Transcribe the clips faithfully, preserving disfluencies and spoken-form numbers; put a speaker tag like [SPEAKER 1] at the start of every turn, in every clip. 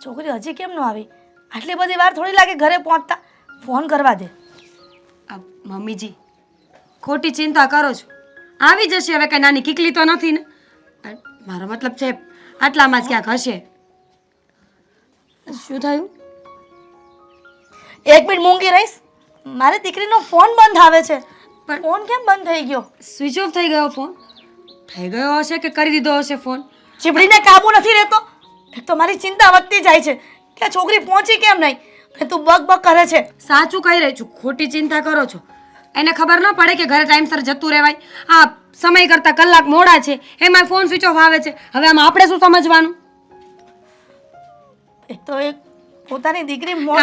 [SPEAKER 1] છોકરી હજી કેમ ન આવી? આટલી બધી વાર થોડી લાગે ઘરે પહોંચતા. ફોન કરવા દે.
[SPEAKER 2] આ મમ્મીજી ખોટી ચિંતા કરો છો, આવી જશે. હવે કઈ નાની કીકલી તો નથી ને? આ મારો મતલબ છે આટલામાં જ ક્યાંક હશે. શું થયું?
[SPEAKER 1] એક મિનિટ મૂંગી રહીશ. મારી દીકરીનો ફોન બંધ આવે છે. પણ ફોન કેમ બંધ થઈ ગયો?
[SPEAKER 2] સ્વિચ ઓફ થઈ ગયો ફોન? થઈ ગયો હશે કે કરી દીધો હશે ફોન?
[SPEAKER 1] ચીબડીને કાબુ નથી રહેતો. એક તો મારી ચિંતા વધતી જાય છે કે આ છોકરી પહોંચી કેમ નહીં, અને તું બક બક કરે છે.
[SPEAKER 2] સાચું કહી રહી છું, ખોટી ચિંતા કરો છો. એને ખબર ન પડે કે ઘરે ટાઈમસર જતું રહેવાય. આ સમય કરતાં કલાક મોડા છે, એમાં ફોન સ્વિચ ઓફ આવે છે. હવે આમાં આપણે શું સમજવાનું?
[SPEAKER 1] એક તો એક પોતાની દીકરી મોડ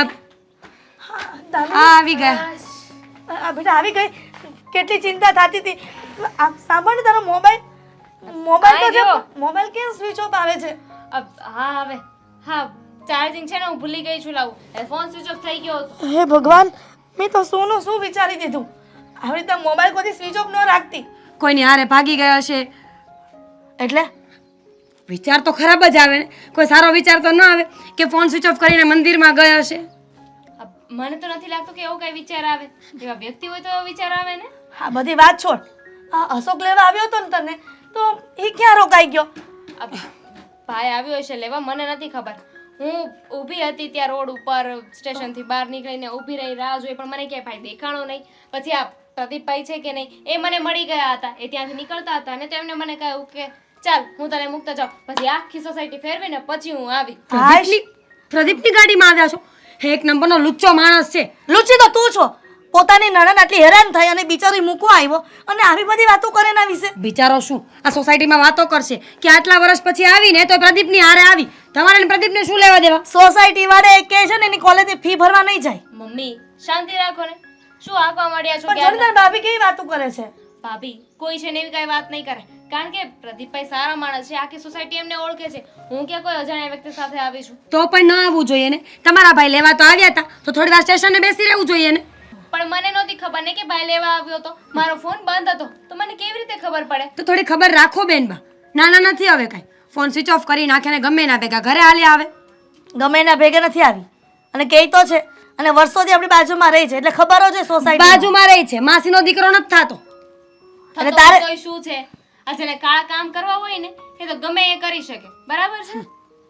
[SPEAKER 2] આ આવી ગયા.
[SPEAKER 1] આ બેટા આવી ગઈ. કેટલી ચિંતા થતી હતી. આ સાંભળ ને, તારો મોબાઈલ મોબાઈલ તો જો મોબાઈલ કેમ સ્વિચ ઓફ આવે છે?
[SPEAKER 3] હા હવે હા ચાર્જિંગ છે ને, હું ભૂલી ગઈ છું લાવું. એ ફોન સ્વિચ ઓફ થઈ ગયો હતો.
[SPEAKER 1] હે ભગવાન, મેં તો સોનું શું વિચારી દીધું. આવી રીતે મોબાઈલ કોઈ સ્વિચ ઓફ ન રાખતી.
[SPEAKER 2] કોઈની હારે ભાગી ગયા હશે
[SPEAKER 1] એટલે
[SPEAKER 2] વિચાર તો ખરાબ જ આવે ને. કોઈ સારો વિચાર તો ન આવે કે ફોન સ્વિચ ઓફ કરીને મંદિરમાં ગયો હશે.
[SPEAKER 3] મને તો નથી લાગતું કે એવો કઈ વિચાર આવે. એવા વ્યક્તિ હોય તો એવો વિચાર આવે ને.
[SPEAKER 1] હા બધી વાત છોડ. આ અશોક લેવા આવ્યો હતો ને તને, તો એ ક્યાં રોકાઈ ગયો?
[SPEAKER 3] ભાઈ આવ્યો હશે લેવા, મને નથી ખબર. હું ઊભી હતી ત્યાં રોડ ઉપર, સ્ટેશનથી બહાર નીકળીને ઊભી રહી, રાહ જોઈ, પણ મને ક્યાંય ભાઈ દેખાણો નહીં. પછી આ પ્રદીપભાઈ છે કે નહીં, એ મને મળી ગયા હતા. એ ત્યાંથી નીકળતા હતા અને તો એમને મને કહ્યું કે ચાલ હું તને મૂકતા જાઉં. પછી આખી સોસાયટી ફેરવીને પછી હું આવી.
[SPEAKER 2] પ્રદીપની પ્રદીપની ગાડીમાં આવ્યા છો? એક નંબરનો લુચ્ચો માણસ છે.
[SPEAKER 1] લુચી તો તું છો. પોતાની નણંદ આટલી હેરાન થઈ અને બિચારી મૂકવા આવ્યો અને આવી બધી વાતો કરે એના વિશે.
[SPEAKER 2] બિચારો શું આ સોસાયટીમાં વાતો કરશે કે આટલા વર્ષ પછી આવીને તો પ્રદીપની હારે આવી? તમારે પ્રદીપને શું લેવા દેવા?
[SPEAKER 1] સોસાયટી વાળા એક કહે છે ને એની કોલેજની ફી ભરવા નહીં જાય.
[SPEAKER 3] મમ્મી શાંતિ રાખો ને. શું આંકવા માંડ્યા છો?
[SPEAKER 1] પણ જોરદાર ભાભી કેવી વાતો કરે છે.
[SPEAKER 3] ભાભી કોઈ છે ને એવી કઈ વાત નહીં કરે, કારણ કે પ્રદીપભાઈ સારા માણસ છે. આખી સોસાયટી એમને ઓળખે છે. હું ક્યાં કોઈ અજાણ્યા વ્યક્તિ સાથે આવી છું?
[SPEAKER 2] તો પણ ન આવવું જોઈએ ને. તમારા ભાઈ લેવા તો આવ્યા હતા, તો થોડી વાર સ્ટેશને બેસી રહેવું જોઈએ ને.
[SPEAKER 3] પણ મને નહોતી ખબર ને કે ભાઈ લેવા આવ્યો હતો. મારો ફોન બંધ હતો, તો મને કેવી રીતે ખબર પડે?
[SPEAKER 2] તો થોડી ખબર રાખો બેનબા. નાના નથી હવે કાંઈ. ફોન સ્વિચ ઓફ કરી નાખે ને ગમે ના ભેગા ઘરે હાલી આવે.
[SPEAKER 1] ગમે એના ભેગા નથી આવી અને કહે તો છે, અને વર્ષોથી આપણી બાજુમાં રહી છે એટલે ખબર જ છે સોસાયટી
[SPEAKER 2] બાજુમાં રહી છે. માસીનો દીકરો નથી થતો.
[SPEAKER 3] અને તારે કોઈ શું છે? આ જેને કાળા કામ કરવા હોય ને એ તો ગમે એ કરી શકે, બરાબર છે?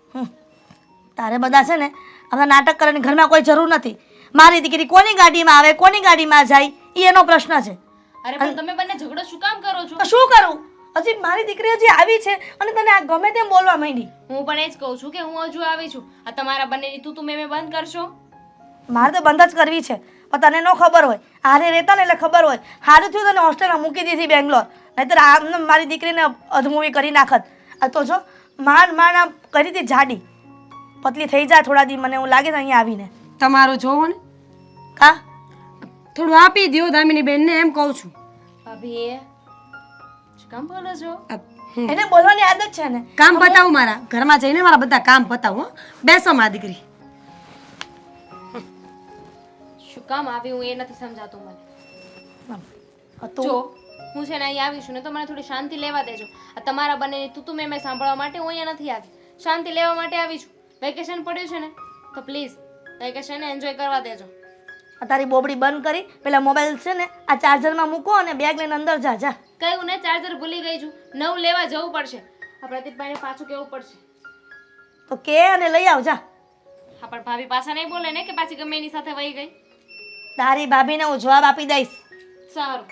[SPEAKER 1] તારે બધા છે ને આપણા નાટક કરવાની ઘરમાં કોઈ જરૂર નથી. મારી દીકરી કોની ગાડીમાં આવે, કોની ગાડીમાં જાય, એ એનો પ્રશ્ન છે.
[SPEAKER 3] અરે પણ તમે બંને ઝઘડો શું કામ કરો છો?
[SPEAKER 1] તો શું કરું? હજી મારી દીકરી હજી આવી છે અને તને આ ગમે તેમ બોલવા માંડી.
[SPEAKER 3] હું પણ એ જ કહું છું કે હું હજુ આવી છું. આ તમારા બંનેની તું તું મેં બંધ કરશો?
[SPEAKER 1] મારે તો બંધ જ કરવી છે, પણ તને ન ખબર હોય. હારે રહેતા ને એટલે ખબર હોય. સારું થયું તને હોસ્ટેલમાં મૂકી દીધી બેંગ્લોર, નહીંતર આમ મારી દીકરીને અધમૂવી કરી નાખત. આ તો જો માંડ માંડ આમ કરી હતી જાડી, પતલી થઈ જાય થોડા દી. મને એવું લાગે છે અહીંયા આવીને.
[SPEAKER 2] તમારું જોવો ને.
[SPEAKER 1] કા
[SPEAKER 2] થોડું આપી દો દામિની બેનને, એમ કહું છું.
[SPEAKER 3] ભાભી એ શું કામ બોલો છો?
[SPEAKER 1] એને બોલવાની આદત છે ને.
[SPEAKER 2] કામ પતાવું મારા ઘરમાં જઈને, મારા બધા કામ પતાવું. બેસો મારી દીકરી.
[SPEAKER 3] શું કામ આવી હું એ નથી સમજાતું મને.
[SPEAKER 1] તો
[SPEAKER 3] જો હું છે ને અહીં આવી છું ને તો મને થોડી શાંતિ લેવા દેજો. આ તમારા બંનેની તું તું મેં મેં સાંભળવા માટે હું અહીંયા નથી આવી. શાંતિ લેવા માટે આવી છું. વેકેશન પડ્યું છે ને તો પ્લીઝ વેકેશન એન્જોય કરવા દેજો.
[SPEAKER 1] તારી બોબડી બંધ કરી પેલા મોબાઈલ છે ને આ ચાર્જરમાં મૂકો અને બેગ લઈને અંદર જા. જા
[SPEAKER 3] કયું ને ચાર્જર ભૂલી ગઈ છું. નવું લેવા જવું પડશે. આ પ્રદીપભાઈને પાછું કેવું પડશે.
[SPEAKER 1] તો કે અને લઈ આવ. જા.
[SPEAKER 3] હા પણ ભાભી પાછા નહીં બોલે ને કે પાછી ગમે એની સાથે વહી ગઈ?
[SPEAKER 1] તારી ભાભીને હું જવાબ આપી દઈશ.
[SPEAKER 3] સારું.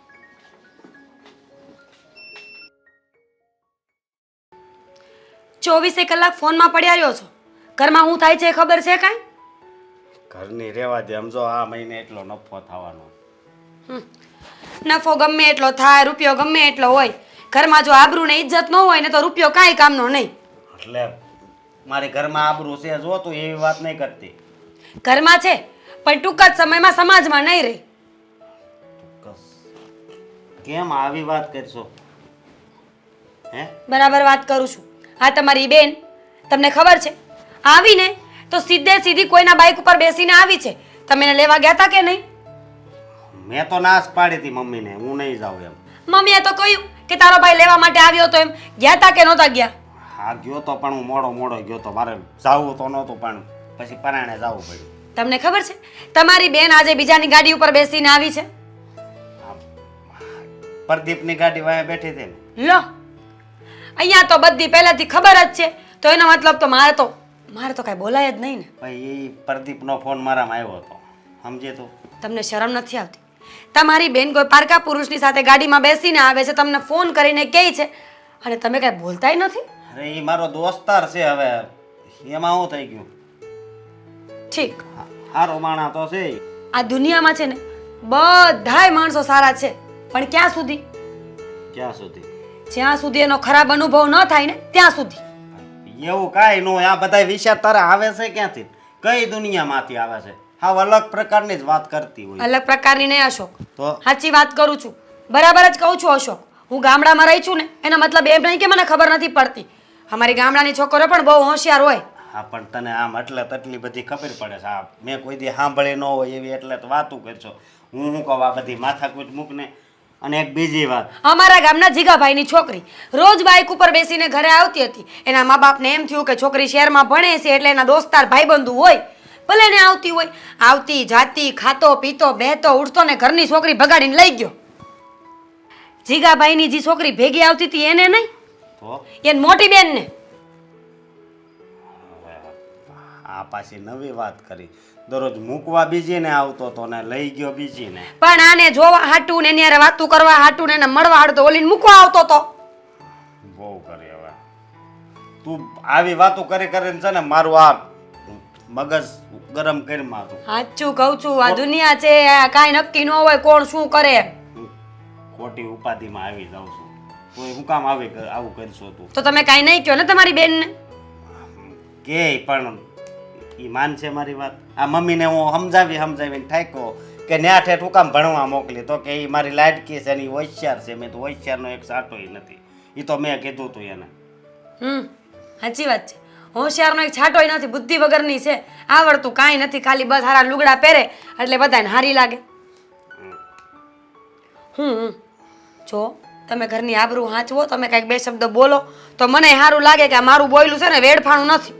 [SPEAKER 2] ચોવીસે કલાક ફોનમાં પડ્યા રહ્યો છો. ઘરમાં શું થાય છે એ ખબર છે કાંઈ?
[SPEAKER 4] ઘરની રહેવા દે. સમજો આ મહિને એટલો નફો થવાનો.
[SPEAKER 2] નફો ગમે એટલો થાય, રૂપિયો ગમે એટલો હોય, ઘરમાં જો આબરૂ ને ઇજ્જત ન હોય ને તો રૂપિયો કાંઈ કામનો નહીં.
[SPEAKER 4] એટલે મારી ઘરમાં આબરૂ છે જો તું એવી વાત નહીં કરતી.
[SPEAKER 2] ઘરમાં છે પણ ટૂંક જ સમયમાં સમાજમાં નહીં રહી.
[SPEAKER 4] કેમ આવી વાત કરશો? હે
[SPEAKER 2] બરાબર વાત કરું છું. હા તમારી બેન તમને ખબર છે આવીને તો સીધે સીધી કોઈના બાઇક ઉપર બેસીને આવી છે. તમે એને લેવા ગયા હતા કે નહીં?
[SPEAKER 4] મેં તો નાશ પાડી હતી મમ્મીને, હું નહીં જાઉં એમ.
[SPEAKER 2] મમ્મીએ તો કહ્યું કે તારો ભાઈ લેવા માટે આવ્યો તો એમ ગયા હતા કે નહોતા ગયા?
[SPEAKER 4] હા ગયો તો પણ હું મોડો મોડો ગયો તો મારે જાવું તો નહોતું પણ પછી પરાણે જવું પડ્યું.
[SPEAKER 2] તમને ખબર છે તમારી બેન આજે બીજાની ગાડી ઉપર બેસીને આવી છે?
[SPEAKER 4] પ્રદીપની ગાડી વાંહે બેઠી હતી ને.
[SPEAKER 2] લો અહીંયા તો બધી પહેલાથી ખબર જ છે, તો એનો મતલબ તો મારે તો મારે તો કાંઈ બોલાય જ નહીં ને.
[SPEAKER 4] ભાઈ એ પ્રદીપનો ફોન મારામાં આવ્યો હતો, સમજે તું?
[SPEAKER 2] તમને શરમ નથી આવતી? તમારી બેન કોઈ પારકા પુરુષની સાથે ગાડીમાં બેસીને આવે છે, તમને ફોન કરીને કહે છે, અને તમે કાંઈ બોલતાય નથી.
[SPEAKER 4] અરે એ મારો દોસ્તાર છે, હવે એમાં શું થઈ ગયું?
[SPEAKER 2] ઠીક,
[SPEAKER 4] સારો માણા તો છે.
[SPEAKER 2] આ દુનિયામાં છે ને બધાય માણસો સારા છે, પણ ક્યાં સુધી?
[SPEAKER 4] ક્યાં સુધી?
[SPEAKER 2] જ્યાં સુધી એનો ખરાબ અનુભવ ન થાય ને ત્યાં સુધી.
[SPEAKER 4] એવું કાંઈ ન હોય. આ બધા વિચાર તારા આવે છે ક્યાંથી? કઈ દુનિયામાંથી આવે છે? હા, અલગ પ્રકારની જ વાત કરતી હોય.
[SPEAKER 2] અલગ પ્રકારની નહીં અશોક,
[SPEAKER 4] તો
[SPEAKER 2] સાચી વાત કરું છું, બરાબર જ કહું છું અશોક. હું ગામડામાં રહી છું ને એનો મતલબ એમ નહીં કે મને ખબર નથી પડતી. અમારી ગામડાની છોકરીઓ પણ બહુ હોશિયાર હોય.
[SPEAKER 4] હા, પણ તને આમ એટલે તટલી બધી ખબર પડે છે. હા, મેં કોઈ દી સાંભળી ન હોય એવી એટલે તો વાતું કરશો. હું શું કહું, આ બધી માથાકૂટ મૂકને. અને એક બીજી વાત,
[SPEAKER 2] અમારા ગામના જીગાભાઈની છોકરી રોજ બાઇક ઉપર બેસીને ઘરે આવતી હતી. એના મા બાપને એમ થયું કે છોકરી શહેરમાં ભણે છે એટલે એના દોસ્તાર ભાઈબંધુ હોય, ભલે ને આવતી હોય. આવતી જાતી, ખાતો પીતો, બેહતો ઉઠતો ને ઘરની છોકરી ભગાડીને લઈ ગયો. જીગાભાઈની જે છોકરી ભેગી આવતી હતી એને નહીં,
[SPEAKER 4] તો
[SPEAKER 2] એને મોટી બેનને.
[SPEAKER 4] આ પાછી નવી વાત કરી. દરરોજ મૂકવા બીજીને આવતો તો ને લઈ ગયો બીજીને.
[SPEAKER 2] પણ આને જોવા હાટું ને એની હારે વાતું કરવા હાટું ને એને મળવા હાટું તો ઓલીને મૂકવા આવતો તો.
[SPEAKER 4] બહુ કરી હવે. તું આવી વાતો કરી કરીને છે ને મારું આ મગજ ગરમ કરી મારું.
[SPEAKER 2] સાચું કહું છું, આ દુનિયા છે, આ કાંઈ નક્કી ન હોય કોણ શું કરે.
[SPEAKER 4] હું ખોટી ઉપાધિમાં આવી જાઉં છું. તું હું કામ આવી કર- આવું કરશો તું?
[SPEAKER 2] તો તમે કાંઈ નહીં કહો ને તમારી બેનને.
[SPEAKER 4] કે પણ ઈ માનશે મારી વાત? આ મમ્મીને હું સમજાવી સમજાવીને થાક્યો કે ન્યા ઠેઠ હું કામ ભણવા મોકલી, તો કે એ મારી લાડકી છે ને ઈ હોશિયાર છે. મેં તો હોશિયારનો એક સાટોય નથી. એ તો મેં કીધું તું એને.
[SPEAKER 2] હમ સાચી વાત છે, હોશિયારનો એક છાંટોય નથી, બુદ્ધિ વગરની છે, આવડતું કાંઈ નથી, ખાલી બસ હારા લુગડા પહેરે એટલે બધાને હારી લાગે. હમ હમ. જો તમે ઘરની આબરૂ હાંચવો, તમે કાંઈક બે શબ્દ બોલો તો મને સારું લાગે કે આ મારું બોયલું છે ને વેડફાણું નથી.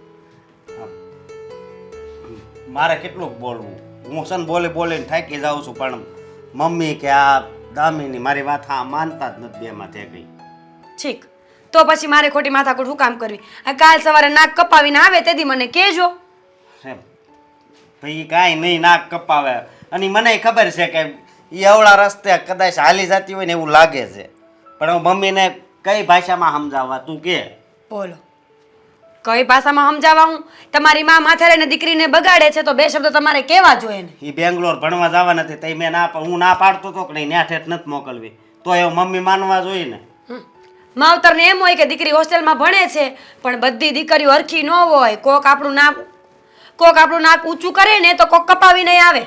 [SPEAKER 4] મારે કેટલું બોલવું? હું છે ને બોલી બોલીને થાકી જાઉં છું, પણ મમ્મી કે આ દામીની મારી વાત હા માનતા જ નથી બેમાં થઈ ગઈ.
[SPEAKER 2] ઠીક, તો પછી મારે ખોટી માથાકૂટ શું કામ કરવી? આ કાલ સવારે નાક કપાવીને આવે તેથી મને કહેજો.
[SPEAKER 4] એમ ભાઈ કાંઈ નહીં નાક કપાવે, અને મને ખબર છે કે એ અવળા રસ્તે કદાચ હાલી જતી હોય ને એવું લાગે છે, પણ હું મમ્મીને કઈ ભાષામાં સમજાવવા? તું કે
[SPEAKER 2] બોલો, કઈ ભાષામાં સમજાવવા હું? તમારી માં માથે રહીને દીકરીને બગાડે છે તો બે શબ્દ તમારે કહેવા જોઈએ ને.
[SPEAKER 4] એ બેંગ્લોર ભણવા જવા નથી તઈ મેં ના હું ના પાડતો હતો કે નહીં ન્યા ઠેઠ નથી મોકલવી, તો એ મમ્મી માનવા જોઈએ ને.
[SPEAKER 2] માવતરને એમ હોય કે દીકરી હોસ્ટેલમાં ભણે છે, પણ બધી દીકરીઓ હરખી ન હોય. કોક આપણું નાક કોક આપણું નાક ઊંચું કરે ને તો કોક કપાવી નહીં આવે.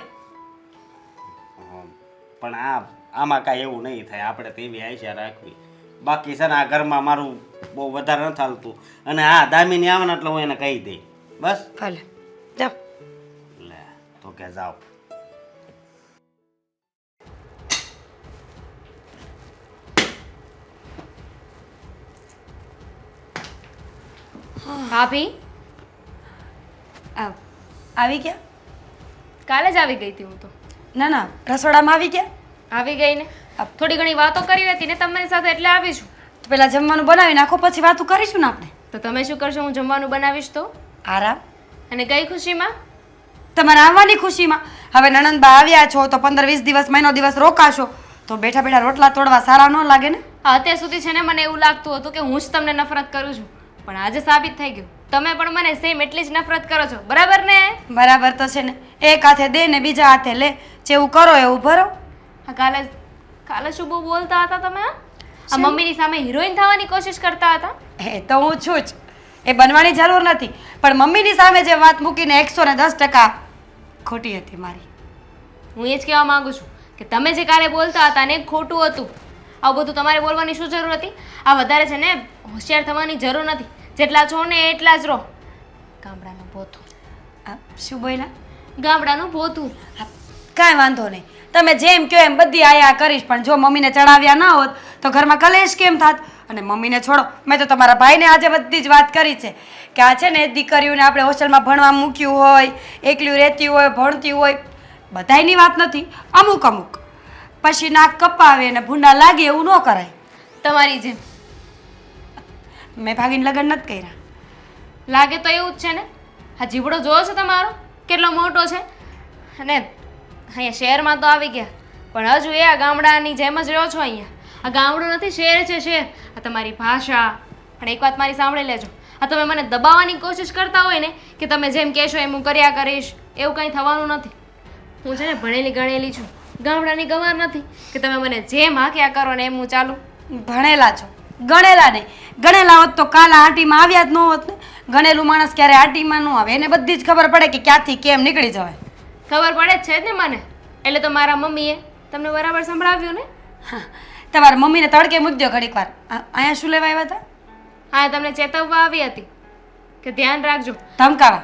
[SPEAKER 4] પણ આ આમાં કાંઈ એવું નહીં થાય. આપણે તો એવી આશા રાખવી. બાકી છે ને આ ઘરમાં મારું બહુ વધારે નથી હાલતું, અને હા દામીની આવે ને એટલે હું એને કહી દઈ બસ.
[SPEAKER 2] ભલે જાઓ.
[SPEAKER 4] લે તો કે જાઓ.
[SPEAKER 3] ભાભી
[SPEAKER 2] આવ. આવી ગયા?
[SPEAKER 3] કાલે જ આવી ગઈ હતી હું તો.
[SPEAKER 2] ના ના, રસોડામાં આવી ગયા?
[SPEAKER 3] આવી ગઈ ને, થોડી ઘણી વાતો કરી હતી ને તમારી સાથે એટલે આવી છું.
[SPEAKER 2] તો પેલા જમવાનું બનાવી નાખો, પછી વાતું કરીશું ને આપણે.
[SPEAKER 3] તો તમે શું કરશો? હું જમવાનું બનાવીશ તો.
[SPEAKER 2] આરામ.
[SPEAKER 3] અને કઈ ખુશીમાં?
[SPEAKER 2] તમારે આવવાની ખુશીમાં. હવે નણંદબા આવ્યા છો તો પંદર વીસ દિવસ મહિનો દિવસ રોકાશો તો બેઠા બેઠા રોટલા તોડવા સારા ન લાગે ને.
[SPEAKER 3] હા, અત્યાર સુધી છે ને મને એવું લાગતું હતું કે હું જ તમને નફરત કરું છું, પણ આજે સાબિત થઈ ગયું તમે પણ મને સેમ એટલી જ નફરત કરો છો. બરાબર ને?
[SPEAKER 2] બરાબર તો છે ને, એક હાથે દે ને બીજા હાથે લે, જેવું કરો એવું ભરો.
[SPEAKER 3] હા, કાલે કાલે શું બહુ બોલતા હતા તમે? હા? આ મમ્મીની સામે હિરોઈન થવાની કોશિશ કરતા હતા.
[SPEAKER 2] એ તો હું છું જ, એ બનવાની જરૂર નથી, પણ મમ્મીની સામે જે વાત મૂકીને એકસો ને દસ ટકા ખોટી હતી મારી.
[SPEAKER 3] હું એ જ કહેવા માંગુ છું કે તમે જે કાલે બોલતા હતા ને એ ખોટું હતું. આવું બધું તમારે બોલવાની શું જરૂર હતી? આ વધારે છે ને હોશિયાર થવાની જરૂર નથી. જેટલા છો ને એટલા જ રહો. ગામડાનું ભોતું.
[SPEAKER 2] આ શું બોલ્યા?
[SPEAKER 3] ગામડાનું ભોતું.
[SPEAKER 2] હા, કાંઈ વાંધો નહીં, તમે જેમ કહો એમ બધી આયા કરીશ, પણ જો મમ્મીને ચડાવ્યા ના હોત તો ઘરમાં કલેશ કેમ થાત? અને મમ્મીને છોડો, મેં તો તમારા ભાઈને આજે બધી જ વાત કરી છે કે આ છે ને દીકરીઓને આપણે હોસ્ટેલમાં ભણવા મૂક્યું હોય, એકલું રહેતી હોય, ભણતી હોય, બધાયની વાત નથી, અમુક અમુક પછી નાક કપાવે ને ભૂંડા લાગે એવું ન કરાય.
[SPEAKER 3] તમારી જેમ
[SPEAKER 2] મેં ભાગીને લગ્ન નથી કર્યા.
[SPEAKER 3] લાગે તો એવું જ છે ને. આ જીવડો જોયો છે તમારો કેટલો મોટો છે, અને અહીંયા શહેરમાં તો આવી ગયા પણ હજુ એ આ ગામડાની જેમ જ રહ્યો છો. અહીંયા આ ગામડું નથી, શહેર છે શહેર. આ તમારી ભાષા. પણ એક વાત મારી સાંભળી લેજો, આ તમે મને દબાવવાની કોશિશ કરતા હોય ને કે તમે જેમ કહેશો એમ હું કર્યા કરીશ, એવું કંઈ થવાનું નથી. હું છે ને ભણેલી ગણેલી છું, ગામડાની ગવાર નથી કે તમે મને જેમ હાંક્યા કરો ને એમ હું ચાલું.
[SPEAKER 2] ભણેલા છો, ગણેલા નહીં. ગણેલા હોત તો કાલ આંટીમાં આવ્યા જ ન હોત ને. ગણેલું માણસ ક્યારે આંટીમાં ન આવે, એને બધી જ ખબર પડે કે ક્યાંથી કેમ નીકળી જવાય.
[SPEAKER 3] ખબર પડે જ છે જ ને મને, એટલે તો મારા મમ્મીએ તમને બરાબર સંભળાવ્યું ને.
[SPEAKER 2] હા, તમારા મમ્મીને તડકે મૂકજો ઘડીક વાર. આ- અહીંયા શું લેવા આવ્યા હતા?
[SPEAKER 3] હા, તમને ચેતવવા આવી હતી કે ધ્યાન રાખજો.
[SPEAKER 2] ધમકાવા?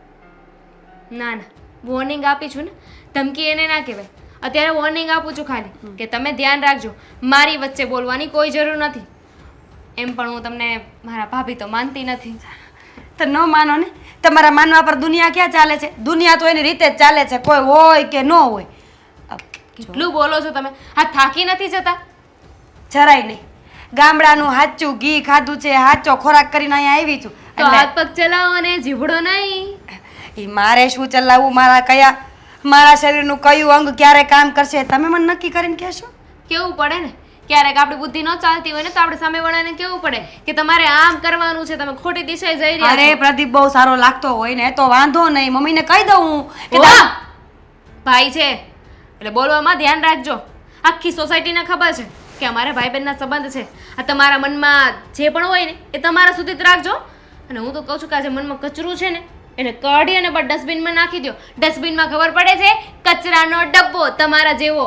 [SPEAKER 3] ના ના, વોર્નિંગ આપી છું ને, ધમકી એને ના કહેવાય. અત્યારે વોર્નિંગ આપું છું ખાલી કે તમે ધ્યાન રાખજો. મારી વચ્ચે બોલવાની કોઈ જરૂર નથી. એમ પણ હું તમને મારા ભાભી તો માનતી નથી.
[SPEAKER 2] તો ન માનો ને, તમારા માનવા પર દુનિયા ક્યાં ચાલે છે? દુનિયા તો એની રીતે જ ચાલે છે, કોઈ હોય કે ન હોય.
[SPEAKER 3] કેટલું બોલો છો તમે? આ થાકી નથી જતા?
[SPEAKER 2] જરાય નહીં. ગામડાનું હાચું ઘી ખાધું છે, હાચો ખોરાક કરીને અહીંયા આવી છું.
[SPEAKER 3] તો હાથ પગ ચલાવો ને જીભડો નહીં.
[SPEAKER 2] એ મારે શું ચલાવવું? મારા કયા મારા શરીરનું કયું અંગ ક્યારે કામ કરશે તમે મને નક્કી કરીને કહેશો?
[SPEAKER 3] કેવું પડે ને, ક્યારેક આપણી બુદ્ધિ ન ચાલતી હોય ને તો આપણે સામેવાળાને કેવું પડે કે તમારે આમ કરવાનું છે, તમે ખોટી દિશાએ જઈ રહ્યા
[SPEAKER 2] અરે
[SPEAKER 3] છો.
[SPEAKER 2] પ્રદીપ બહુ સારો લાગતો હોય ને તો વાંધો નહીં, મમ્મીને કહી દઉં હું કે
[SPEAKER 3] વાહ!
[SPEAKER 2] તા-
[SPEAKER 3] ભાઈ છે એટલે બોલવામાં ધ્યાન રાખજો. આખી સોસાયટીને ખબર છે કે અમારા ભાઈ બહેનના સંબંધ છે. આ તમારા મનમાં જે પણ હોય ને એ તમારા સુધી જ રાખજો. અને હું તો કહું છું કે આ જે મનમાં કચરું છે ને એને કાઢી અને બસ ડસ્ટબિનમાં નાખી દો. ડસ્ટબિનમાં ખબર પડે છે કચરાનો ડબ્બો તમારા જેવો.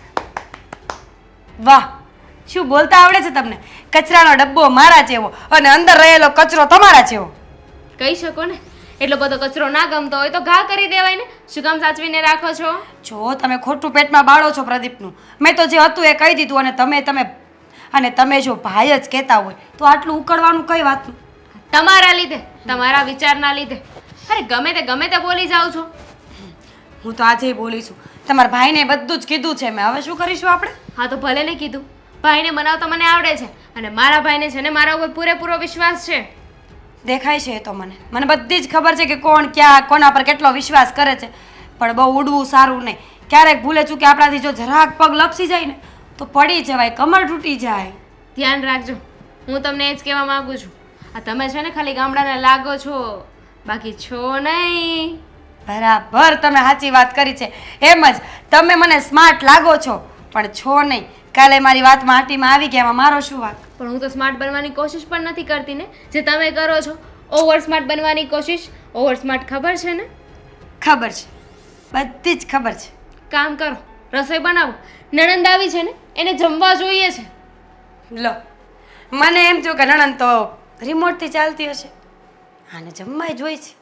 [SPEAKER 2] વાહ, શું બોલતા આવડે છે તમને? કચરાનો ડબ્બો મારા જેવો અને અંદર રહેલો કચરો તમારા જેવો.
[SPEAKER 3] કહી શકો ને, એટલો બધો કચરો ના ગમતો હોય તો ઘા કરી દેવાય ને. શું કામ સાચવીને રાખો છો?
[SPEAKER 2] જો તમે ખોટું પેટમાં બાળો છો પ્રદીપનું. મેં તો જે હતું એ કહી દીધું અને તમે તમે અને તમે જો ભાઈ જ કહેતા હોય તો આટલું ઉકળવાનું કઈ વાતનું?
[SPEAKER 3] તમારા લીધે, તમારા વિચારના લીધે. અરે ગમે તે ગમે તે બોલી જાઓ છો.
[SPEAKER 2] હું તો આજે બોલી છું. તમારા ભાઈને બધું જ કીધું છે મેં. હવે શું કરીશું આપણે?
[SPEAKER 3] હા તો ભલે ને કીધું. ભાઈને મનાવતા મને આવડે છે અને મારા ભાઈને છે ને મારા ઉપર પૂરેપૂરો વિશ્વાસ છે.
[SPEAKER 2] દેખાય છે એ તો મને મને બધી જ ખબર છે કે કોણ ક્યાં કોના પર કેટલો વિશ્વાસ કરે છે, પણ બહુ ઉડવું સારું નહીં. ક્યારેક ભૂલે ચૂકે આપણાથી જો જરાક પગ લપસી જાય ને તો પડી જવાય, કમર તૂટી જાય.
[SPEAKER 3] ધ્યાન રાખજો. હું તમને એ જ કહેવા માંગુ છું. આ તમે છે ને ખાલી ગામડાના લાગો છો, બાકી છો નહીં.
[SPEAKER 2] બરાબર, તમે સાચી વાત કરી છે. એમ જ તમે મને સ્માર્ટ લાગો છો પણ છો નહીં. કાલે મારી વાતમાં આંટીમાં આવી ગયા, એમાં મારો શું વાંક?
[SPEAKER 3] પણ હું તો સ્માર્ટ બનવાની કોશિશ પણ નથી કરતી ને, જે તમે કરો છો. ઓવર સ્માર્ટ બનવાની કોશિશ. ઓવર સ્માર્ટ ખબર છે ને?
[SPEAKER 2] ખબર છે, બધી જ ખબર છે.
[SPEAKER 3] કામ કરો, રસોઈ બનાવો. નણંદ આવી છે ને એને જમવા જોઈએ છે.
[SPEAKER 2] લો, મને એમ થયું કે નણંદ તો રિમોટથી ચાલતી હશે, આને જમવાય જોઈ છે.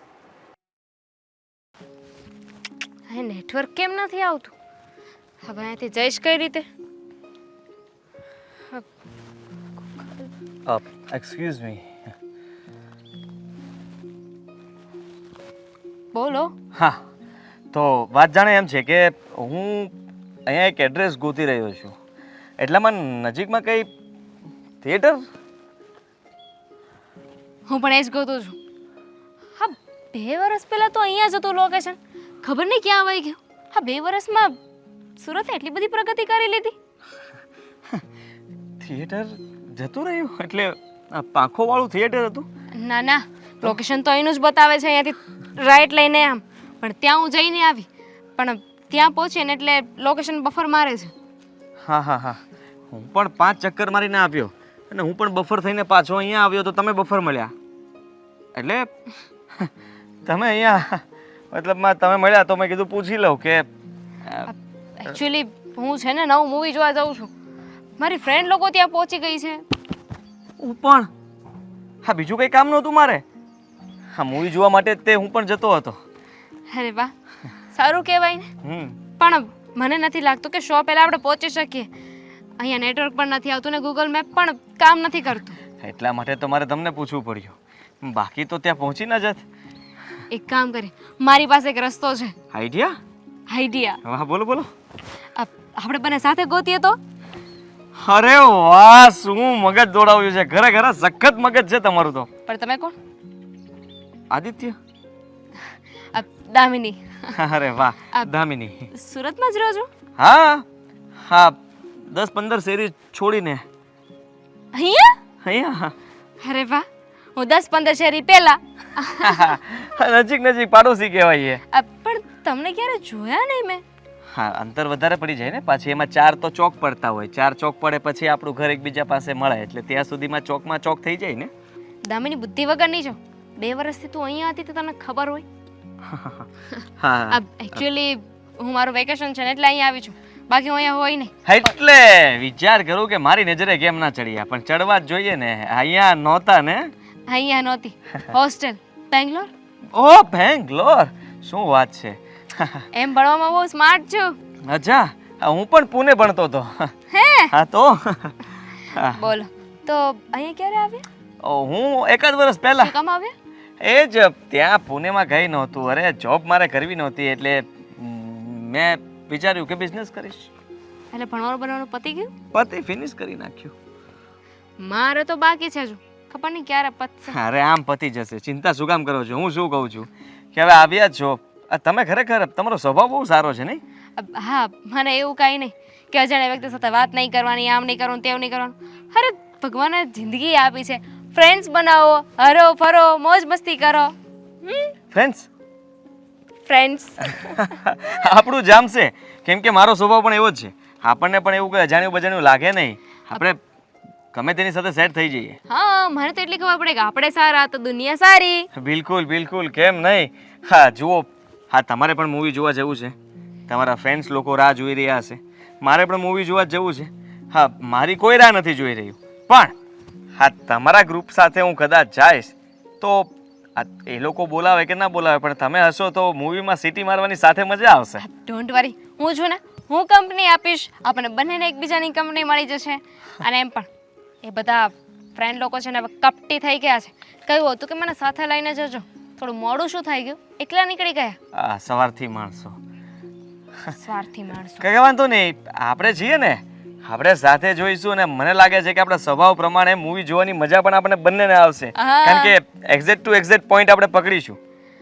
[SPEAKER 3] હા, નેટવર્ક કેમ નથી આવતું? હવે અહીંયાથી જઈશ કઈ રીતે?
[SPEAKER 5] Uh, excuse me.
[SPEAKER 3] બોલો.
[SPEAKER 5] હા, તો વાત જાણે એમ છે કે હું અહીંયા એક એડ્રેસ ગોતી રહ્યો છું, એટલામાં નજીકમાં કંઈ થિયેટર?
[SPEAKER 3] હું પણ એ જ ગોતું છું. હા, બે વર્ષ પહેલાં તો અહીંયા જ હતું લોકેશન. ખબર નહીં ક્યાં આવી ગયું. હા, બે વર્ષમાં સુરતે એટલી બધી પ્રગતિ કરી લીધી.
[SPEAKER 5] થિયેટર જતું રહ્યું એટલે આ પાંખોવાળું થિયેટર હતું?
[SPEAKER 3] ના ના, લોકેશન તો અહીંનું જ બતાવે છે, અહીંયાથી રાઈટ લઈને આમ. પણ ત્યાં હું જઈને આવી, પણ ત્યાં પહોંચી ને એટલે લોકેશન બફર મારે છે.
[SPEAKER 5] હા હા હા, હું પણ પાંચ ચક્કર મારીને આવ્યો અને હું પણ બફર થઈને પાછો અહીંયા આવ્યો તો તમે બફર મળ્યા. એટલે તમે અહીંયા મતલબમાં તમે મળ્યા તો મેં કીધું પૂછી લઉં કે
[SPEAKER 3] એકચ્યુઅલી હું છે ને નવું મૂવી જોવા જાઉં છું. મારી ફ્રેન્ડ લોકો ત્યાં પહોંચી ગઈ છે.
[SPEAKER 5] હું પણ હા, બીજું કંઈ કામ નહોતું મારે. હા, મૂવી જોવા માટે તે હું પણ જતો હતો.
[SPEAKER 3] અરે વાહ, સારું કહેવાય ને.
[SPEAKER 5] હમ
[SPEAKER 3] પણ મને નથી લાગતું કે શો પહેલાં આપણે પહોંચી શકીએ. અહીંયા નેટવર્ક પણ નથી આવતું ને ગૂગલ મેપ પણ કામ નથી કરતું.
[SPEAKER 5] એટલા માટે તો મારે તમને પૂછવું પડ્યું, બાકી તો ત્યાં પહોંચી ન જત.
[SPEAKER 3] એક કામ કરે, મારી પાસે એક રસ્તો છે.
[SPEAKER 5] આઈડિયા?
[SPEAKER 3] આઈડિયા.
[SPEAKER 5] વાહ, બોલો બોલો.
[SPEAKER 3] આપણે બંને સાથે ગોતીએ તો?
[SPEAKER 5] અરે વાહ, શું મગજ દોડાવ્યું છે, ખરેખર સખત મગજ છે તમારું તો.
[SPEAKER 3] પણ તમે કોણ?
[SPEAKER 5] આદિત્ય?
[SPEAKER 3] આ દામિની.
[SPEAKER 5] અરે વાહ,
[SPEAKER 3] આ-
[SPEAKER 5] દામિની.
[SPEAKER 3] સુરતમાં જ રહો છો?
[SPEAKER 5] હા હા, દસ પંદર શેરી છોડીને
[SPEAKER 3] અહીંયા?
[SPEAKER 5] અહીંયા.
[SPEAKER 3] અરે વાહ, હું દસ પંદર શેરી પહેલા.
[SPEAKER 5] નજીક નજીક પાડોશી કહેવાય એ.
[SPEAKER 3] આ પણ તમને ક્યારે જોયા નહીં મેં.
[SPEAKER 5] હા, અંતર વધારે પડી જાય ને, પાછી એમાં ચાર તો ચોક પડતા હોય, ચાર ચોક પડે પછી આપણું ઘર એકબીજા પાસે મળે, એટલે ત્યાં સુધીમાં ચોકમાં ચોક થઈ જાય ને.
[SPEAKER 3] દામિની બુદ્ધિ વગરની છો. બે વર્ષથી તું અહીંયા હતી તો તને ખબર હોય.
[SPEAKER 5] હા
[SPEAKER 3] એકચ્યુઅલી હું મારું વેકેશન છે ને એટલે અહીંયા આવી છું, બાકી હું અહીંયા હોય નહીં.
[SPEAKER 5] એટલે વિચાર કરું કે મારી નજરે કેમ ના ચડ્યા, પણ ચડવા જ જોઈએ ને. અહીંયા નહોતા ને?
[SPEAKER 3] અહીંયા નહોતી. હોસ્ટેલ બેંગ્લોર.
[SPEAKER 5] ઓ બેંગ્લોર, શું વાત છે.
[SPEAKER 3] એમ ભણવામાં બહુ સ્માર્ટ છું.
[SPEAKER 5] અચ્છા, હું પણ પુણે ભણતો હતો.
[SPEAKER 3] હે?
[SPEAKER 5] હા તો હા.
[SPEAKER 3] બોલો તો અહીંયા ક્યારે આવ્યા?
[SPEAKER 5] ઓ, હું એકાદ વર્ષ પહેલા
[SPEAKER 3] શું કામ આવ્યા?
[SPEAKER 5] એ જ ત્યાં પુણેમાં ગઈ નહોતું. અરે જોબ મારે કરવી નહોતી, એટલે મ, મેં વિચાર્યું કે બિઝનેસ કરીશ.
[SPEAKER 3] એટલે ભણવાનું ભણવાનું પતી ગયું?
[SPEAKER 5] પતિ ફિનિશ કરી નાખ્યું.
[SPEAKER 3] મારે તો બાકી છે હજુ, ખબર નહીં ક્યારે પતશે.
[SPEAKER 5] અરે આમ પતી જશે, ચિંતા શું કામ કરો છો. હું શું કહું છું કે હવે આવ્યા જ છો, આ તમે ખરેખર તમારો સ્વભાવ બહુ સારો છે નહીં?
[SPEAKER 3] અબ હા, મને એવું કાંઈ નહીં કે અજાણ્યા વ્યક્તિ સાથે વાત નહીં કરવાની, આમ નહીં કરવાનું, તેવું નહીં કરવાનું. અરે ભગવાને જિંદગી આપી છે, ફ્રેન્ડ્સ બનાવો, હરો ફરો, મોજ મસ્તી કરો.
[SPEAKER 5] Friends
[SPEAKER 3] friends.
[SPEAKER 5] આપણું જામશે, કેમ કે મારો સ્વભાવ પણ એવો જ છે. આપણને પણ એવું કંઈ અજાણ્યું બજાણ્યું લાગે નહીં, આપણે ગમે તેની સાથે સેટ થઈ જઈએ.
[SPEAKER 3] હા, મને તો એટલી ખબર પડે કે આપણે સારા તો દુનિયા સારી.
[SPEAKER 5] બિલકુલ બિલકુલ, કેમ નહીં. હા જુઓ, હા તમારે પણ મૂવી જોવા જવું છે, તમારા ફ્રેન્ડ્સ લોકો રાહ જોઈ રહ્યા હશે, મારે પણ મૂવી જોવા જવું છે. હા, મારી કોઈ રાહ નથી જોઈ રહ્યું, પણ હા તમારા ગ્રુપ સાથે હું કદાચ જઈશ તો આ એ લોકો બોલાવે કે ના બોલાવે, પણ તમે હશો તો મૂવીમાં સીટી મારવાની સાથે મજા આવશે.
[SPEAKER 3] ડોન્ટ વરી, હું છું ને, હું કંપની આપીશ, આપણને બંનેને એકબીજાની કંપની મળી જશે. અને એમ પણ એ બધા ફ્રેન્ડ લોકો છે ને હવે કપટી થઈ ગયા છે. કહ્યું હતું કે મને સાથે લઈને જજો, થોડું મોડું શું થઈ ગયું, એકલા નીકળી ગયા.
[SPEAKER 5] આ સવારથી માણસો
[SPEAKER 3] સ્વાર્થી માણસો.
[SPEAKER 5] કઈ વાંધો નહીં, આપણે છીએ ને, આપણે સાથે જોઈશું. અને મને લાગે છે કે આપણા સ્વભાવ પ્રમાણે મૂવી જોવાની મજા પણ આપણે બંનેને આવશે,
[SPEAKER 3] હા.
[SPEAKER 5] કારણ કે એક્ઝેક્ટ ટુ એક્ઝેક્ટ પોઈન્ટ આપણે પકડીશું.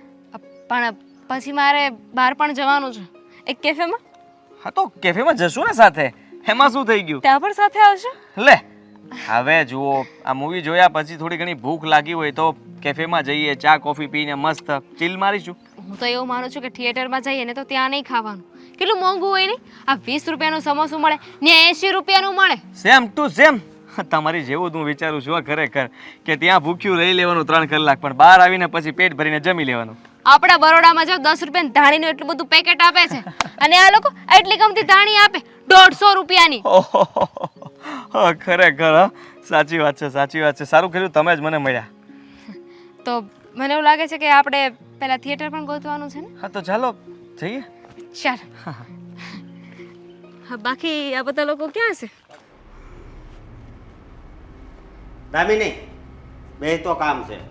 [SPEAKER 3] પણ પછી મારે બહાર પણ જવાનું છે, એક કેફેમાં.
[SPEAKER 5] હા તો કેફેમાં જશું ને સાથે, એમાં શું થઈ ગયું.
[SPEAKER 3] ત્યાં પણ સાથે આવશો?
[SPEAKER 5] લે હવે જુઓ, આ મૂવી જોયા પછી થોડી ઘણી ભૂખ લાગી હોય તો કેફેમાં જઈએ, ચા કોફી પીને મસ્ત ચીલ મારીશું.
[SPEAKER 3] હું તો એવું માનું છું કે થિયેટરમાં જઈએ ને તો ત્યાં નહીં ખાવાનું, કેટલું મોંઘું હોય નહીં. આ વીસ રૂપિયાનું સમોસું મળે ને એંશી રૂપિયાનું મળે.
[SPEAKER 5] સેમ ટુ સેમ, તમારી જેવું જ હું વિચારું છું ખરેખર, કે ત્યાં ભૂખ્યું રહી લેવાનું ત્રણ કલાક, પણ બહાર આવીને પછી પેટ ભરીને જમી લેવાનું.
[SPEAKER 3] આપણા બરોડામાં જો દસ રૂપિયાની ધાણીનું એટલું બધું પેકેટ આપે છે, અને આ લોકો એટલી ગમતી ધાણી આપે દોઢસો રૂપિયાની.
[SPEAKER 5] ઓહો, ખરેખર હા, સાચી વાત છે, સાચી વાત છે. સારું કર્યું તમે જ મને મળ્યા.
[SPEAKER 3] તો મને એવું લાગે છે કે આપણે પહેલા થિયેટર પણ ગોતવાનું છે ને.
[SPEAKER 5] હા તો ચાલો જઈએ.
[SPEAKER 3] ચાલ. હા, બાકી આ બધા લોકો ક્યાં છે?
[SPEAKER 4] દામિની, બે તો કામ છે.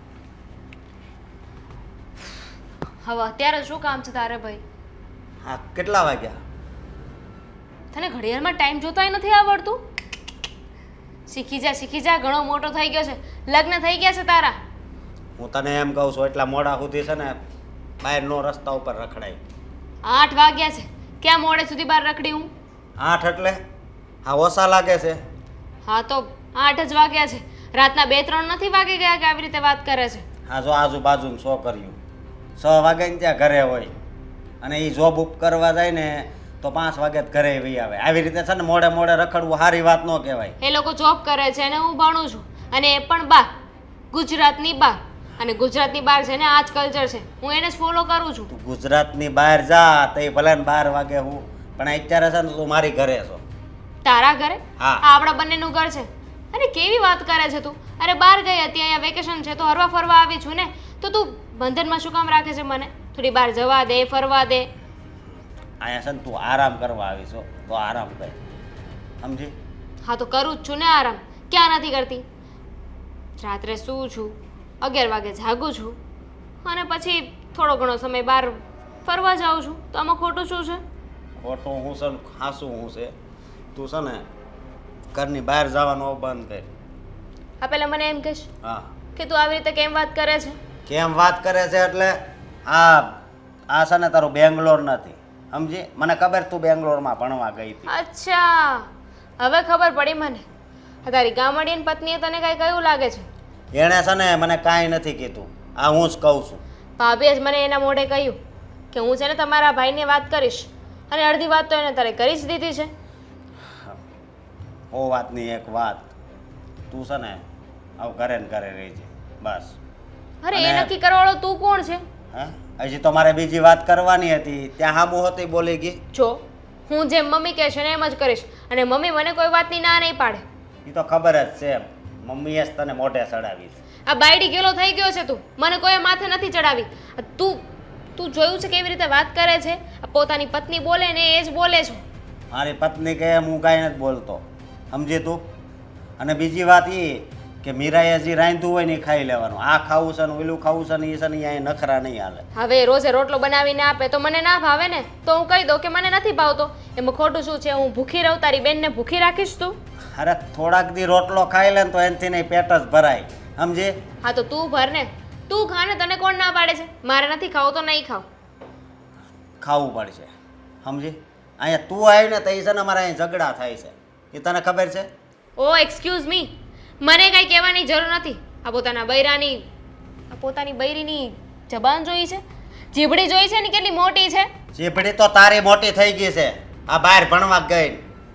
[SPEAKER 3] હવે અત્યારે શું કામ છે તારે ભાઈ?
[SPEAKER 4] હા, કેટલા વાગ્યા?
[SPEAKER 3] તને ઘડિયાળમાં ટાઈમ જોતાય નથી આવડતું? શીખી જા શીખી જા, ઘણો મોટો થઈ ગયો છે, લગ્ન થઈ ગયા છે તારા.
[SPEAKER 4] હું તને એમ કહું છું, એટલા મોડા સુધી છે ને બહારનો રસ્તા ઉપર રખડાય.
[SPEAKER 3] આઠ વાગ્યા છે, ક્યાં મોડે સુધી બહાર રખડી હું?
[SPEAKER 4] આઠ એટલે હા ઓછા લાગે છે.
[SPEAKER 3] હા તો આઠ જ વાગ્યા છે, રાતના બે ત્રણ નથી વાગી ગયા કે આવી રીતે વાત કરે છે?
[SPEAKER 4] હા જો આજુબાજુ સો કર્યું, છ વાગે ને ત્યાં ઘરે હોય, અને એ જોબ ઉપ કરવા જાય ને તો પાંચ વાગે જ ઘરે વહી આવે. આવી રીતે છે ને મોડે મોડે રખડવું સારી વાત ન કહેવાય.
[SPEAKER 3] એ લોકો જોબ કરે છે અને હું ભણું છું, અને એ પણ બહાર, ગુજરાતની બહાર. અને ગુજરાતની બહાર છે ને આ જ કલ્ચર છે, હું એને જ ફોલો કરું છું.
[SPEAKER 4] તું ગુજરાતની બહાર જા તો એ ભલે ને બાર વાગે હું, પણ અત્યારે છે ને તું મારી ઘરે છો.
[SPEAKER 3] તારા ઘરે?
[SPEAKER 4] હા.
[SPEAKER 3] આ આપણા બંનેનું ઘર છે. અરે કેવી વાત કરે છે તું? અરે બહાર ગઈ હતી, અહીંયા વેકેશન છે તો હરવા ફરવા આવી છું ને, તો તું બંધનમાં શું કામ રાખે છે મને? થોડી બહાર જવા દે, ફરવા દે.
[SPEAKER 4] અહીંયા છે ને તું આરામ કરવા આવી છો તો આરામ કર, સમજી?
[SPEAKER 3] હા તો કરું જ છું ને આરામ. ક્યાં નથી કરતી? રાત્રે સૂવું છું, અગિયાર વાગે જાગું છું અને પછી થોડો ઘણો સમય બહાર ફરવા જાઉં છું. તો આમાં ખોટું શું છે?
[SPEAKER 4] ખોટું હું છે ને ખાસું હું છે. તું છે ને ઘરની બહાર જવાનું બંધ કર.
[SPEAKER 3] હા પહેલાં મને એમ કહીશ
[SPEAKER 4] હા
[SPEAKER 3] કે તું આવી રીતે કેમ વાત કરે છે?
[SPEAKER 4] કેમ વાત કરે છે એટલે આ આ છે ને તારું બેંગ્લોર નથી સમજી. મને ખબર તું બેંગ્લોરમાં ભણવા ગઈ હતી.
[SPEAKER 3] અચ્છા, હવે ખબર પડી મને. આ તારી ગામડીની પત્નીએ તને કાંઈ કહ્યું લાગે છે?
[SPEAKER 4] એણે છે ને મને કાંઈ નથી કીધું. આ હું જ કહું છું.
[SPEAKER 3] ભાભીએ જ મને એના મોઢે કહ્યું કે હું છે ને તમારા ભાઈને વાત કરીશ અને અડધી વાત તો એને તારે કરી જ દીધી છે.
[SPEAKER 4] ઓ વાતની એક વાત, તું છે ને આવું ઘરે ને ઘરે રહી છે બસ.
[SPEAKER 3] અરે એ
[SPEAKER 4] અને-
[SPEAKER 3] નક્કી કરવાવાળો તું કોણ છે?
[SPEAKER 4] હા હજી તો મારે બીજી વાત કરવાની હતી ત્યાં હામું હતી બોલી ગઈ.
[SPEAKER 3] જો હું જેમ મમ્મી કહે છે ને એમ જ કરીશ અને મમ્મી મને કોઈ વાતની ના નહીં પાડે.
[SPEAKER 4] એ તો ખબર જ છે મમ્મીએ જ તને મોઢે ચડાવીશ.
[SPEAKER 3] આ બાયડી ગેલો થઈ ગયો છે તું. મને કોઈ માથે નથી ચડાવી. આ તું તું જોયું છે કેવી રીતે વાત કરે છે? આ પોતાની પત્ની બોલે ને એ જ બોલે છે.
[SPEAKER 4] મારી પત્ની કહે એમ હું કાંઈ નથી બોલતો સમજી તું. અને બીજી વાત એ કે મીરાએ જે રાંધ્યું હોય ને એ ખાઈ લેવાનું. આ ખાવું છે ને ઓલું ખાવું છે ને એ છે ને અહીંયા નખરા નહીં હાલે.
[SPEAKER 3] હવે રોજે રોટલો બનાવીને આપે તો મને ના ભાવે ને, તો હું કહી દઉં કે મને નથી ભાવતો. એમાં ખોટું શું છે? હું ભૂખી રહું, તારી બેનને ભૂખી રાખીશ તું?
[SPEAKER 4] અરે થોડાક દી રોટલો ખાઈ લે ને તો એનાથી નહીં પેટ જ ભરાય સમજી.
[SPEAKER 3] હા તો તું ભર ને, તું ખા ને. તને કોણ ના પાડે છે? મારે નથી ખાવું તો નહીં ખાવ.
[SPEAKER 4] ખાવું પડશે સમજી. અહીંયા તું આવી ને તો એ છે ને અમારે અહીં ઝઘડા થાય છે એ તને ખબર છે.
[SPEAKER 3] ઓ એક્સક્યુઝ મી, મને કાંઈ કહેવાની જરૂર નથી. આ પોતાના બૈરાની આ પોતાની બૈરીની જબાન જોઈ છે? જીભડી જોઈ છે ને કેટલી મોટી છે?
[SPEAKER 4] ચીપડી તો તારી મોટી થઈ ગઈ છે આ બહાર ભણવા ગઈ.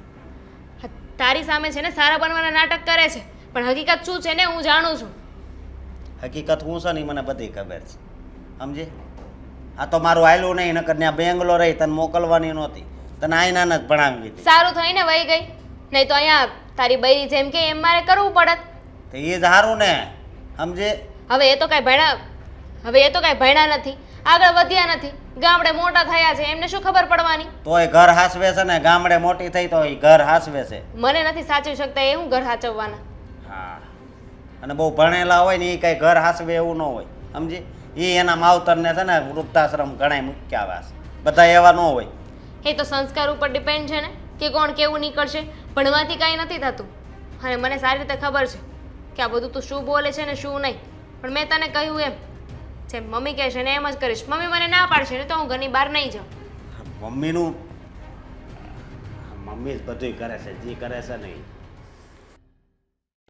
[SPEAKER 3] હા, તારી સામે છે ને સારા બનવાના નાટક કરે છે, પણ હકીકત શું છે ને હું જાણું છું.
[SPEAKER 4] હકીકત હું છે ને ઈ મને બધી ખબર છે સમજી. આ તો મારું આયલું નહીં નકર ત્યાં બેંગ્લોર રહી તને મોકલવાની નહોતી. તને આઈના જ ભણાવી હતી.
[SPEAKER 3] સારું થઈને વહી ગઈ, નહીં તો અહીંયા તારી બૈરી જેમ કે એમ મારે કરવું પડત.
[SPEAKER 4] તો એ જ સારું ને સમજી.
[SPEAKER 3] હવે એ તો કાંઈ ભણ્યા હવે એ તો કાંઈ ભણ્યા નથી, આગળ વધ્યા નથી, ગામડે મોટા થયા છે, એમને શું ખબર પડવાની?
[SPEAKER 4] તોય ઘર હાસવે છે ને ગામડે મોટી થઈ તો એ ઘર હાસવે છે.
[SPEAKER 3] મને નથી સાચવી શકતા એ હું ઘર સાચવવાના.
[SPEAKER 4] હા અને બહુ ભણેલા હોય ને એ કાંઈ ઘર હાસવે એવું ન હોય સમજી. એ એના માવતરને છે ને વૃદ્ધાશ્રમ ઘણાય મૂક્યા આવ્યા છે. બધા એવા ન હોય.
[SPEAKER 3] એ તો સંસ્કાર ઉપર ડિપેન્ડ છે ને કે કોણ કેવું નીકળશે. ભણવાથી કાંઈ નથી થતું અને મને સારી રીતે ખબર છે કે આ બધું તું શું બોલે છે ને શું નહીં. પણ મેં તને કહ્યું એમ જેમ મમ્મી કહે છે ને એમ જ કરીશ. મમ્મી મને ના પાડશે ને તો હું ઘરની બહાર નહીં જાઉં.
[SPEAKER 4] મમ્મીનું મમ્મી જ બધું કરે છે જે કરે છે ને ઈ.